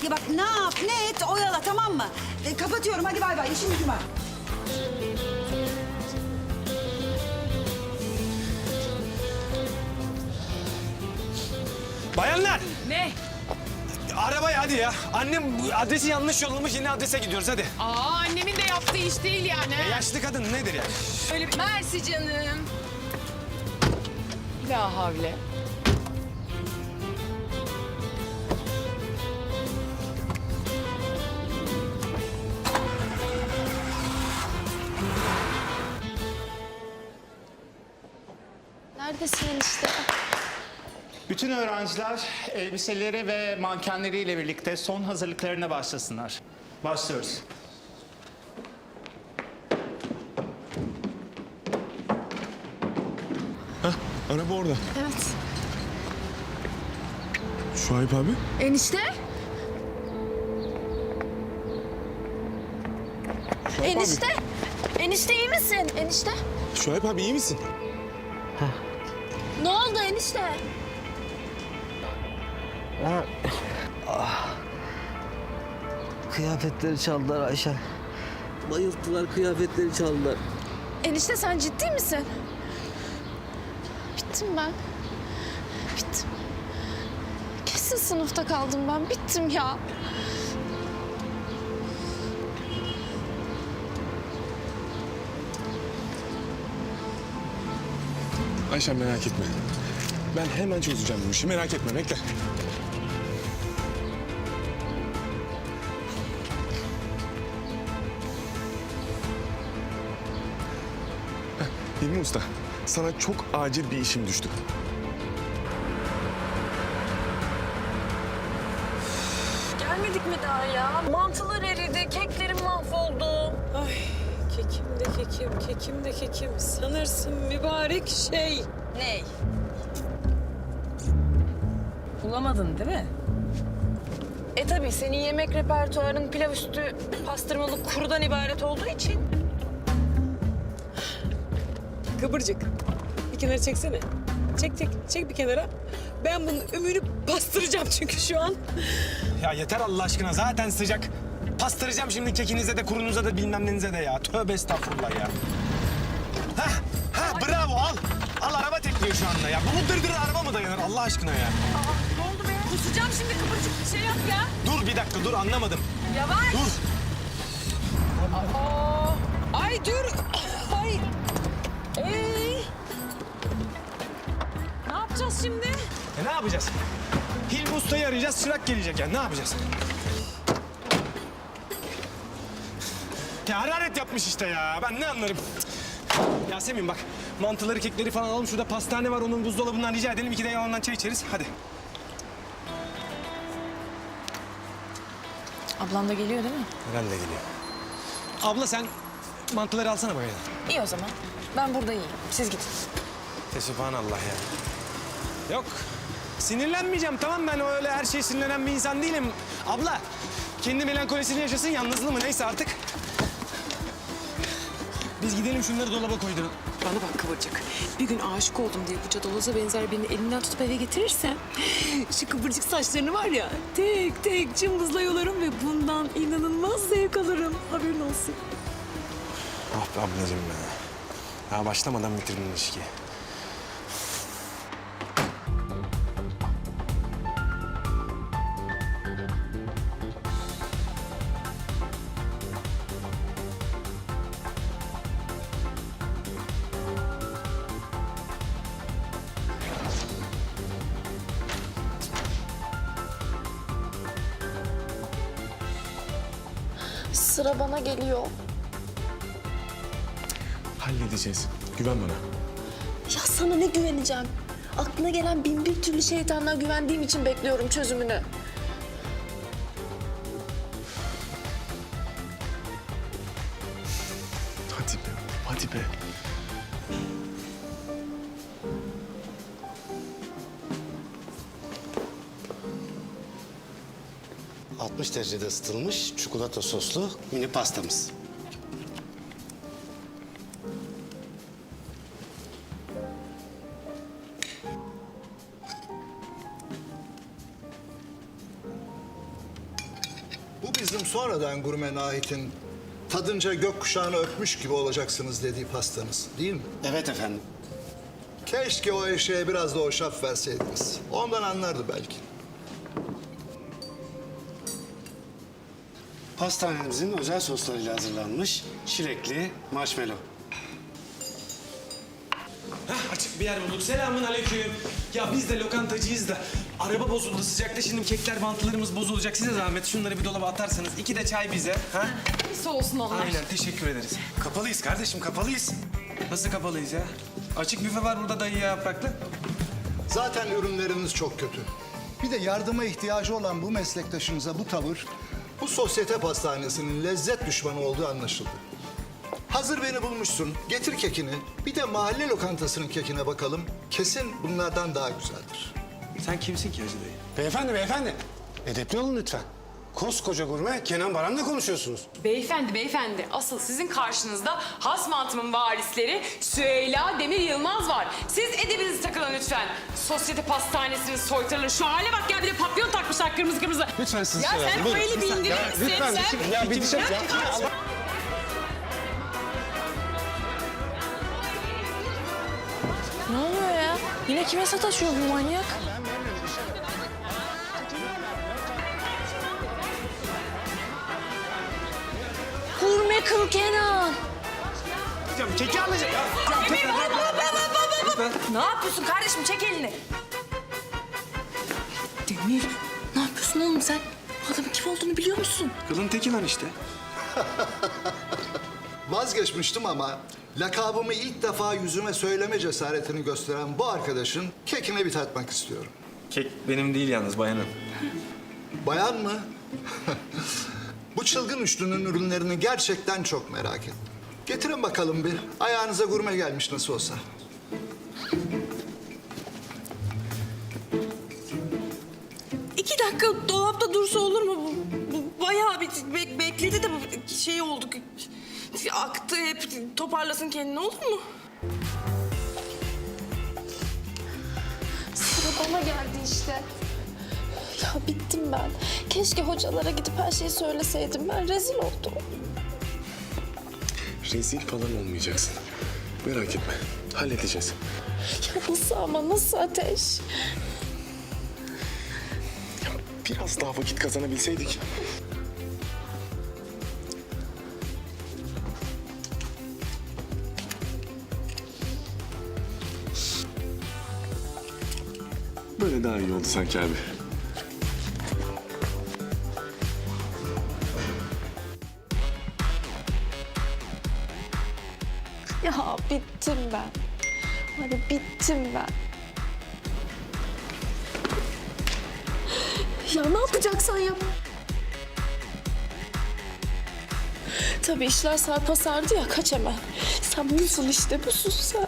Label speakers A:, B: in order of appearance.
A: Ya bak ne yap ne et oyala, tamam mı? Kapatıyorum, hadi bay bay, işim gücüm var.
B: Bayanlar!
C: Ne?
B: Arabaya hadi ya. Annem adresi yanlış yollamış, yeni adrese gidiyoruz hadi.
C: Annemin de yaptığı iş değil yani.
B: Yaşlı kadın nedir yani?
C: Öyle bir... Mersi canım. La havle.
D: Neredesin enişte?
E: Bütün öğrenciler elbiseleri ve mankenleriyle birlikte son hazırlıklarına başlasınlar. Başlıyoruz.
F: Araba orada.
D: Evet.
F: Şuayb abi.
D: Enişte?
F: Şuayb
D: Enişte?
F: Abi.
D: Enişte iyi misin? Enişte?
F: Şuayb abi iyi misin?
D: Ne oldu enişte?
G: Kıyafetleri çaldılar Ayşe. Bayılttılar, kıyafetleri çaldılar.
D: Enişte sen ciddi misin? Bittim ben. Bittim. Kesin sınıfta kaldım ben. Bittim ya.
F: Ayşe merak etme. Ben hemen çözeceğim bu işi. Merak etme, bekle. Hilmi Usta, sana çok acil bir işim düştü.
H: Gelmedik mi daha ya? Mantılar eridi, keklerim mahvoldu. Ay kekim de kekim, kekim de kekim. Sanırsın mübarek şey. Ney? Bulamadın değil mi? Tabii senin yemek repertuarın pilav üstü pastırmalı kurudan ibaret olduğu için. Kıvırcık. Bir kenara çeksene. Çek bir kenara. Ben bunun ümüğünü bastıracağım çünkü şu an.
B: Ya yeter Allah aşkına, zaten sıcak. Pastıracağım şimdi kekinize de kurunuza da bilmem nenize de ya. Tövbe estağfurullah ya. Ha bravo al. Al araba tekliyor şu anda ya. Bu dırdır araba mı dayanır Allah aşkına ya?
H: Ne oldu be? Kusacağım şimdi kıvırcık bir şey yap ya.
B: Dur bir dakika dur anlamadım.
H: Yavaş.
B: Dur.
H: Ay dur. Ay. Ne yapacağız şimdi?
B: Ne yapacağız? Hilmi Usta'yı arayacağız, çırak gelecek yani. Ne yapacağız? Ya hararet yapmış işte ya. Ben ne anlarım? Yasemin bak, mantıları, kekleri falan alalım. Şurada pastane var, onun buzdolabından rica edelim. 2 de yalandan çay içeriz. Hadi.
H: Ablam da geliyor değil mi?
B: Herhalde geliyor. Abla sen mantıları alsana bana.
H: İyi o zaman. Ben burada iyiyim. Siz gidin.
B: Subhanallah ya. Yok. Sinirlenmeyeceğim tamam, ben öyle her şeye sinirlenen bir insan değilim. Abla kendi melankolisini yaşasın, yalnızlığı mı neyse artık. Biz gidelim şunları dolaba koyduralım.
I: Bana bak Kıvırcık. Bir gün aşık oldum diye bu cadaloza benzer birini elinden tutup eve getirirsen... ...şu kıvırcık saçlarını var ya tek tek cımbızla yolarım ve bundan inanılmaz zevk alırım. Haberin olsun.
B: Ah be ablacığım be. Ya başlamadan bitirdin ilişkiyi.
D: Sıra bana geliyor.
F: Halledeceğiz. Güven bana.
D: Ya sana ne güveneceğim? Aklına gelen bin bir türlü şeytandan güvendiğim için bekliyorum çözümünü.
F: Hadi be, hadi be.
J: ...60 derecede ısıtılmış çikolata soslu mini pastamız.
K: Bu bizim sonradan Gurme Nahit'in tadınca gökkuşağını öpmüş gibi olacaksınız dediği pastanız değil mi?
J: Evet efendim.
K: Keşke o eşeğe biraz da hoşaf verseydiniz. Ondan anlardı belki.
J: Pastanemizin özel soslarıyla hazırlanmış çilekli marshmallow.
B: Heh, açık bir yer bulduk. Selamun aleyküm. Ya biz de lokantacıyız da araba bozuldu sıcakta. Şimdi kekler, mantılarımız bozulacak. Size zahmet şunları bir dolaba atarsanız. 2 de çay bize. Ha?
C: Soğusun onlar.
B: Aynen, teşekkür ederiz.
J: Kapalıyız kardeşim, kapalıyız.
B: Nasıl kapalıyız ya? Açık büfe var burada dayı ya yapraklı.
K: Zaten ürünleriniz çok kötü. Bir de yardıma ihtiyacı olan bu meslektaşınıza bu tavır, bu sosyete pastanesinin lezzet düşmanı olduğu anlaşıldı. Hazır beni bulmuşsun, getir kekini. Bir de mahalle lokantasının kekine bakalım. Kesin bunlardan daha güzeldir.
B: Sen kimsin ki Hacı dayı?
J: Beyefendi, beyefendi. Edepli olun lütfen. Koskoca gurme Kenan Baran'la konuşuyorsunuz.
C: Beyefendi, asıl sizin karşınızda has mantımın varisleri Süheyla Demir Yılmaz var. Siz edebinizi takılın lütfen. Sosyete pastanesinin soytarıları şu hale bak ya, bir de papyon takmışlar kırmızı kırmızı.
J: Lütfen sizi
C: Ya sen o eli bir indirir misin?
J: Lütfen,
C: Sen-
J: ya bir dışarı.
D: Ne oluyor ya? Yine kime sataşıyor bu manyak? Gurme kıl Kenan.
B: Keki alacağım.
D: Ne yapıyorsun kardeşim? Çek elini. Demir, ne yapıyorsun oğlum sen? Bu adamın kim olduğunu biliyor musun?
B: Kılın teki lan işte.
K: Vazgeçmiştim ama lakabımı ilk defa yüzüme söyleme cesaretini gösteren bu arkadaşın kekine bir tatmak istiyorum.
B: Kek benim değil yalnız bayanın.
K: Bayan mı? Bu çılgın üçlünün ürünlerini gerçekten çok merak ettim. Getirin bakalım bir. Ayağınıza gurme gelmiş nasıl olsa.
H: İki dakika dolapta dursa olur mu? Bayağı bir bekledi de şey oldu. Aktı hep, toparlasın kendini, olur mu?
D: Sıra bana geldi işte. Ya bittim ben. Keşke hocalara gidip her şeyi söyleseydim. Ben rezil oldum.
F: Rezil falan olmayacaksın. Merak etme. Halledeceğiz.
D: Ya nasıl ama nasıl Ateş?
F: Biraz daha vakit kazanabilseydik. Böyle daha iyi oldu sanki abi.
D: Ya bittim ben. Hadi bittim ben. Ya ne yapacaksan yap. Tabii işler sarpa sardı ya, kaç hemen. Sen busun işte, busun sen.